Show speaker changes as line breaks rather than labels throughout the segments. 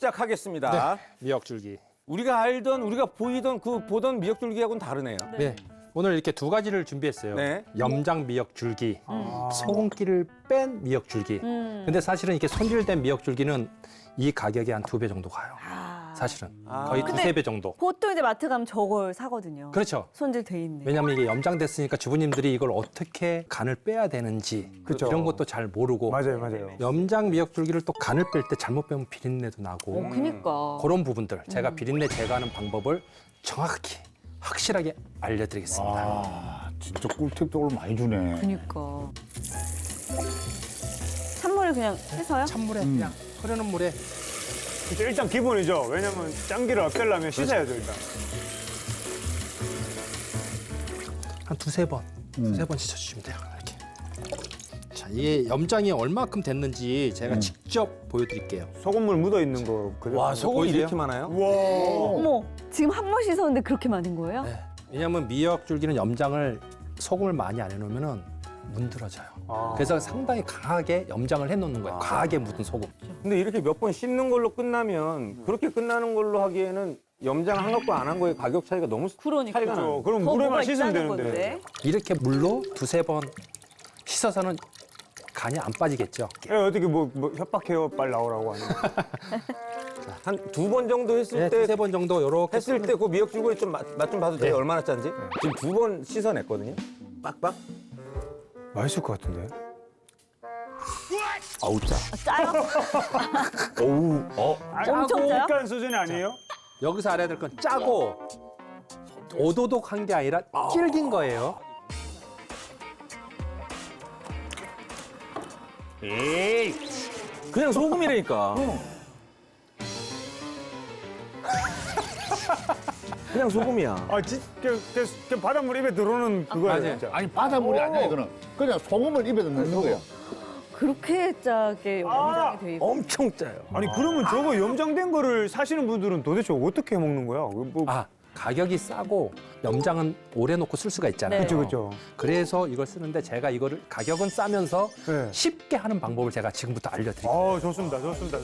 시작하겠습니다.
미역줄기.
우리가 알던, 우리가 보던 미역줄기하고는 다르네요.
네. 오늘 이렇게 두 가지를 준비했어요.
네.
염장 미역줄기, 소금기를 뺀 미역줄기. 근데 사실은 이렇게 손질된 미역줄기는 이 가격이 한 2배 정도 가요. 사실은 거의
근데
2~3배 정도.
보통 이제 마트 가면 저걸 사거든요.
그렇죠.
손질돼 있네.
왜냐하면 이게 염장됐으니까 주부님들이 이걸 어떻게 간을 빼야 되는지
그쵸.
이런 것도 잘 모르고
맞아요.
염장 미역줄기를 또 간을 뺄 때 잘못 빼면 비린내도 나고
그니까.
그런 부분들 제가 비린내 제거하는 방법을 정확히 확실하게 알려드리겠습니다.
아, 진짜 꿀팁도 오늘 많이 주네.
그니까. 찬물을 그냥 해서요?
찬물에 그냥 흐르는 물에
그쵸, 일단 기본이죠. 왜냐면 짠기를 없애려면 씻어야죠, 일단.
한 두세 번 씻어주시면 돼요. 이렇게. 자, 이게 염장이 얼마큼 됐는지 제가 직접 보여드릴게요.
소금물 묻어있는 거. 그대로.
와, 소금이
보이세요?
이렇게 많아요?
우와.
어머, 지금 한 번 씻었는데 그렇게 많은 거예요?
네. 왜냐하면 미역줄기는 염장을 소금을 많이 안 해놓으면 문드러져요. 그래서 상당히 강하게 염장을 해놓는 거예요. 과하게 묻은 소금.
근데 이렇게 몇 번 씻는 걸로 끝나면 그렇게 끝나는 걸로 하기에는 염장 한 것과 안 한 거의 가격 차이가 너무
그러니까.
차이가 나요.
그럼
더
물에만
뭐가
씻으면
있다는
되는데.
건데.
이렇게 물로 두세 번 씻어서는 간이 안 빠지겠죠.
어떻게 뭐 협박해요? 빨리 나오라고 하는.
한 2번 정도 했을
네,
때
두세 번 정도 이렇게
했을 때 그 미역줄기 좀 맛 좀 봐도 돼요? 얼마나 짠지? 지금 2번 씻어냈거든요. 빡빡.
맛있을 것 같은데.
아우 짜.
짜요?
어우.
엄청 짜요?
약간 수준이 아니에요?
여기서 알아야 될 건 짜고 오도독한 게 아니라 질긴 거예요.
그냥 소금이라니까. 그냥 소금이야.
아, 그 바닷물 입에 들어오는 그거예요,
맞아요.
진짜.
아니, 바닷물이 아니야, 이거는. 그냥 소금을 입에 넣는 거야.
그렇게 짜게 염장이 돼 있고.
엄청 짜요.
아니, 그러면 저거 염장된 거를 사시는 분들은 도대체 어떻게 먹는 거야? 뭐,
가격이 싸고 염장은 오래 놓고 쓸 수가 있잖아요.
네.
그쵸.
그래서 이걸 쓰는데 제가 이거를 가격은 싸면서
네.
쉽게 하는 방법을 제가 지금부터 알려드릴게요.
좋습니다.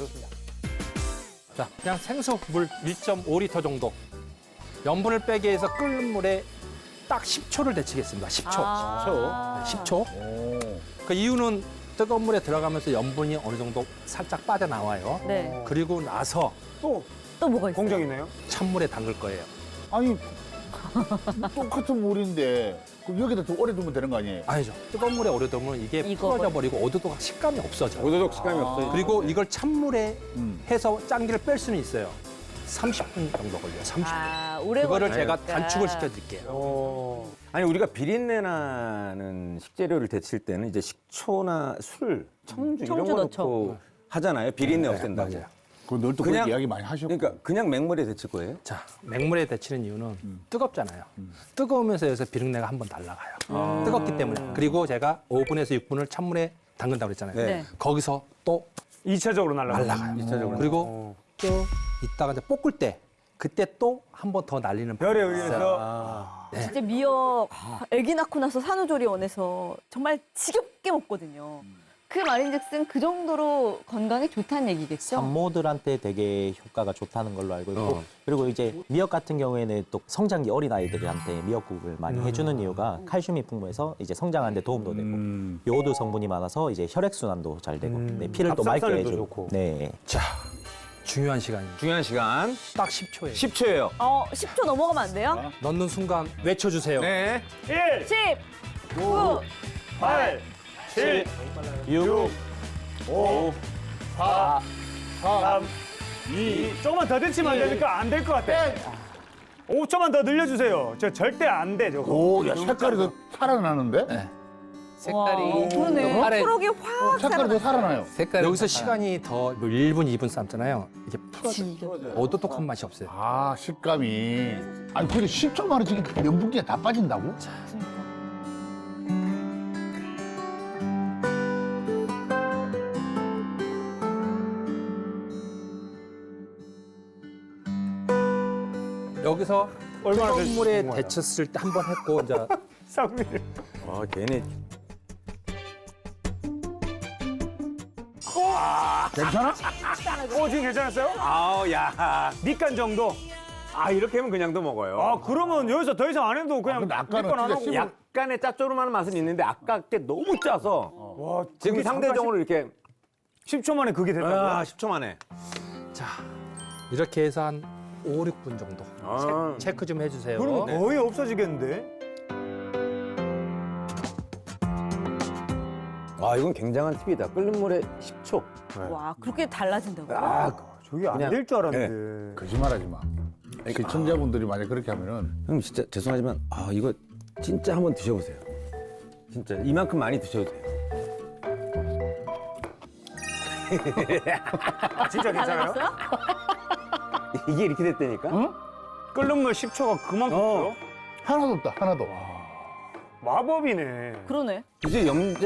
자, 그냥 생수 물 1.5리터 정도. 염분을 빼기 위해서 끓는 물에 딱 10초를 데치겠습니다. 10초.
아.
10초. 그 이유는 뜨거운 물에 들어가면서 염분이 어느 정도 살짝 빠져나와요.
네.
그리고 나서
또
또 뭐가 있어요?
공정이네요.
찬물에 담글 거예요.
아니, 똑같은 물인데, 그럼 여기다 좀 오래 두면 되는 거 아니에요?
아니죠. 뜨거운 물에 오래 두면 이게
이거
풀어져 버리고 오도독 식감이 없어져요.
오도독 식감이 없어요.
그리고 이걸 찬물에 해서 짠기를 뺄 수는 있어요. 30분 정도 걸려요. 30분.
아, 오래
그거를
걸리니까.
제가 단축을 시켜드릴게요.
아니 우리가 비린내 나는 식재료를 데칠 때는 이제 식초나 술, 청주 이런
청주
거
넣죠.
넣고 하잖아요. 비린내 없앤다고.
맞아요.
그널또
그냥-
그렇게 이야기 많이 하셨고.
그러니까 그냥 맹물에 데칠 거예요?
자, 맹물에 데치는 이유는 뜨겁잖아요. 뜨거우면서 여기서 비린내가 한 번 날아가요. 뜨겁기 때문에. 그리고 제가 5분에서 6분을 찬물에 담근다고 그랬잖아요.
네.
거기서 또
2차적으로 날라가요.
날아가요.
이차적으로.
그리고 또 이따가 이제 볶을 때 그때 또 한 번 더 날리는
별에
방법이 있어요.
의해서
진짜 미역 아기 낳고 나서 산후조리원에서 정말 지겹게 먹거든요. 그 말인즉슨 그 정도로 건강에 좋다는 얘기겠죠?
산모들한테 되게 효과가 좋다는 걸로 알고 있고 그리고 이제 미역 같은 경우에는 또 성장기 어린 아이들한테 미역국을 많이 해주는 이유가 칼슘이 풍부해서 이제 성장하는 데 도움도 되고 요오드 성분이 많아서 이제 혈액 순환도 잘 되고 네, 피를 또 맑게
갑상선에도
해주고
좋고.
네.
자, 중요한 시간입니다.
중요한 시간
딱 10초예요.
10초예요.
10초 넘어가면 안 돼요?
넣는 순간 외쳐주세요.
네.
1,
10, 9,
8, 7,
6,
5, 4, 3, 2. 조금만 더 데치면 안 되니까 안 될 것 같아. 5초만 더 늘려주세요. 저 절대 안 돼, 저거.
오, 야, 색깔이 더 살아나는데?
네.
와, 그러네.
아래-
초록이 확
색깔이 더 살아나요.
여기서 시간이 더 1분, 2분 삶잖아요. 이게 풀어져. 오도독한 맛이 없어요.
아, 식감이. 아니, 근데 10초 만에 지금 면분기가 다 빠진다고?
여기서
얼마나
뜨거운 물에
데쳤어요?
데쳤을 때 한 번 했고 이제
쌍밀.
아, 괜히
괜찮아?
지금 괜찮았어요?
아우, 야.
밑간 정도?
아, 이렇게 하면 그냥도 먹어요.
아, 그러면 여기서 더 이상 안 해도 그냥
근데 아까는
밑간 안
진짜
하고.
씹을-
약간의 짭조름한 맛은 있는데 아까 게 너무 짜서
와,
지금
그게
상대적으로 이렇게
10초 만에 그게 됐다고요?
10초 만에.
자, 이렇게 해서 한 5, 6분 정도
아.
체크 좀 해주세요.
그럼 거의 없어지겠는데?
와, 이건 굉장한 팁이다. 끓는 물에 10초.
와, 그렇게 달라진다고요?
아,
저게 안
그냥-
될 줄 알았는데.
거짓말하지 마. 시청자분들이 만약 그렇게 하면은
형 진짜 죄송하지만 이거 진짜 한번 드셔보세요. 진짜 이만큼 많이 드셔도 돼요.
진짜 괜찮아요?
달라졌어요?
이게 이렇게 됐다니까?
끓는 물 10초가 그만큼요?
하나도 없다. 하나도.
마법이네.
그러네.
이제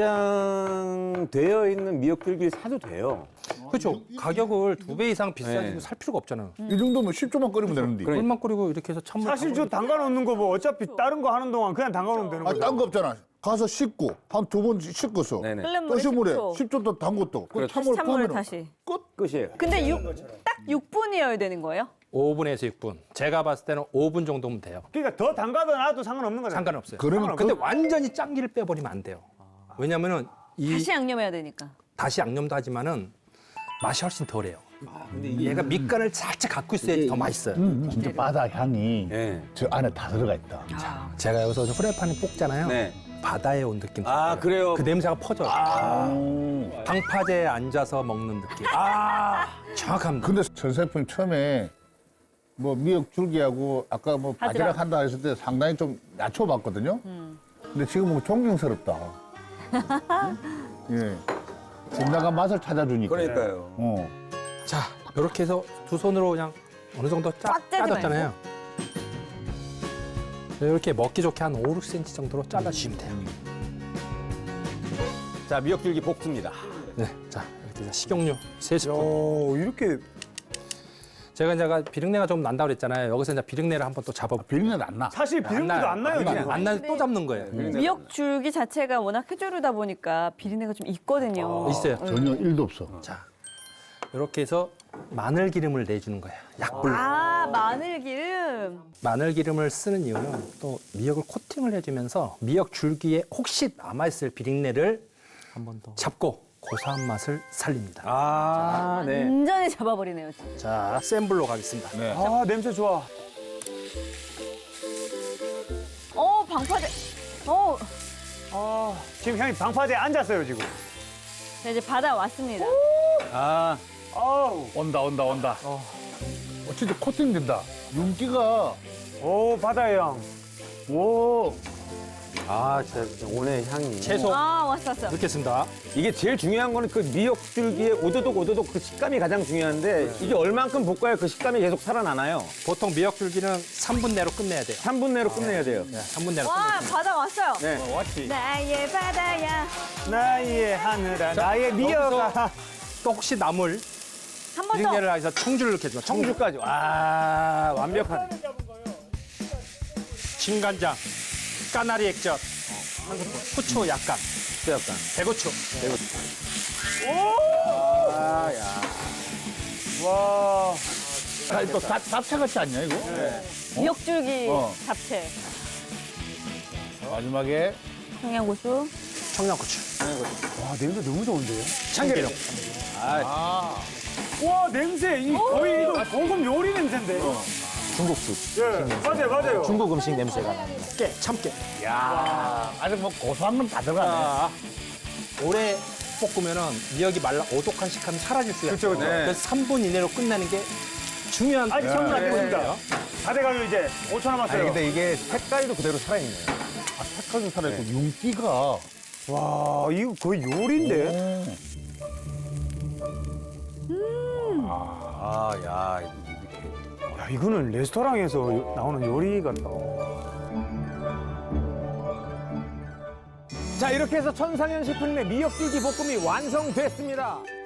염장되어 있는 미역줄기를 사도 돼요.
그렇죠. 가격을 2배 이상 비싸지고
네.
살 필요가 없잖아요.
이 정도면 10초만 끓이면 되는데.
그래.
물만 끓이고 이렇게 해서 찬물
사실 저 담가 놓는 거 뭐 어차피 다른 거 하는 동안 그냥 담가 놓으면 되는
아,
거죠.
딴 거 없잖아. 가서 씻고 한 2번 씻었어.
네네.
끓는
또
물에
시물에
10초.
10초 더 담궜다. 그
그렇죠.
찬물
찬물을
퍼면
다시.
끝이에요.
근데 딱 6분이어야 되는 거예요?
5분에서 6분. 제가 봤을 때는 5분 정도면 돼요.
그러니까 더 담가도 놔도 상관없는 거잖아요.
상관없어요.
그러면
근데 완전히 짠기를 빼버리면 안 돼요. 왜냐면은
다시 양념해야 되니까.
다시 양념도 하지만은 맛이 훨씬 덜해요. 얘가 밑간을 살짝 갖고 있어야 더 맛있어요.
진짜 바다 향이
네.
저 안에 다 들어가 있다.
제가 여기서 프라이팬에 볶잖아요.
네.
바다에 온 느낌.
아, 그래요?
그 냄새가 퍼져요. 방파제에 앉아서 먹는 느낌. 정확합니다.
근데 전 셰프님 처음에 뭐 미역 줄기하고 아까 뭐 바지락 한다 했을 때 상당히 좀 낮춰봤거든요. 근데 지금 뭐 존경스럽다. 예. 진정한 맛을 찾아주니까.
그러니까요.
어.
자, 이렇게 해서 두 손으로 그냥 어느 정도
꽉 짜지
짜졌잖아요. 이렇게 먹기 좋게 한 5, 6cm 정도로 잘라주시면 돼요.
자, 미역줄기 볶습니다.
네, 자 이렇게 해서 식용유 3스푼.
오, 이렇게
제가 이제 비린내가 좀 난다고 그랬잖아요. 여기서 이제 비린내를 한번 또 잡아볼게요.
비린내 안 나.
사실 비린내도 안 나요, 지금.
안 나는데 또 잡는 거예요.
미역 줄기 자체가 워낙 해조류다 보니까 비린내가 좀 있거든요.
있어요.
전혀 1도 없어.
자, 이렇게 해서 마늘 기름을 내주는 거예요. 약불로.
아, 마늘 기름.
마늘 기름을 쓰는 이유는 또 미역을 코팅을 해주면서 미역 줄기에 혹시 남아있을 비린내를
한 번 더.
잡고 고소한 맛을 살립니다.
아, 네.
완전히 잡아버리네요, 진짜.
자, 센 불로 가겠습니다.
네.
아, 냄새 좋아.
방파제.
지금 형이 방파제에 앉았어요, 지금.
자, 이제 바다 왔습니다.
아,
아우.
온다. 진짜 코팅 된다. 윤기가.
오, 바다의 향.
오.
진짜 오늘 향이.
채소
아, 왔어.
넣겠습니다.
이게 제일 중요한 거는 그 미역줄기의 오도독 그 식감이 가장 중요한데 이게 얼만큼 볶아야 그 식감이 계속 살아나나요?
보통 미역 줄기는 3분 내로 끝내야 돼요.
3분 내로 끝내야 돼요.
네, 3분 내로
와,
끝내요.
바다 왔어요.
네.
왔지.
나의 바다야.
나의 하늘아, 나의 미역아.
또 혹시 나물
한 번 더.
비린내를 해서 청주를 넣겠습니다. 청주,
청주까지. 와, 완벽하네.
진간장, 까나리 액젓, 후추 약간,
약간.
대고추.
와.
아, 또 잡채 같지 않냐, 이거?
미역 줄기
어.
잡채.
마지막에
청양고추.
청양고추.
와, 냄새 너무 좋은데요?
참기름.
와, 냄새. 거의 이거 고급 요리 냄새인데.
중국집.
예, 맞아요.
중국 음식 냄새가 납니다.
깨, 참깨.
아직 뭐 고소한 건 다 들어가네.
오래 볶으면은 미역이 말라 오독한 식감이 사라질 수가 있어요.
그쵸.
그래서 3분 이내로 끝내는 게 중요한
아직 성분 안
네.
됐습니다. 다 돼가요, 이제. 5초 남았어요.
아니, 근데 이게 색깔도 그대로 살아있네요.
색깔도 살아있고 윤기가.
와, 이거 거의 요리인데? 야, 이거는 레스토랑에서 나오는 요리 같다.
자, 이렇게 해서 천상현 셰프님의 미역줄기 볶음이 완성됐습니다.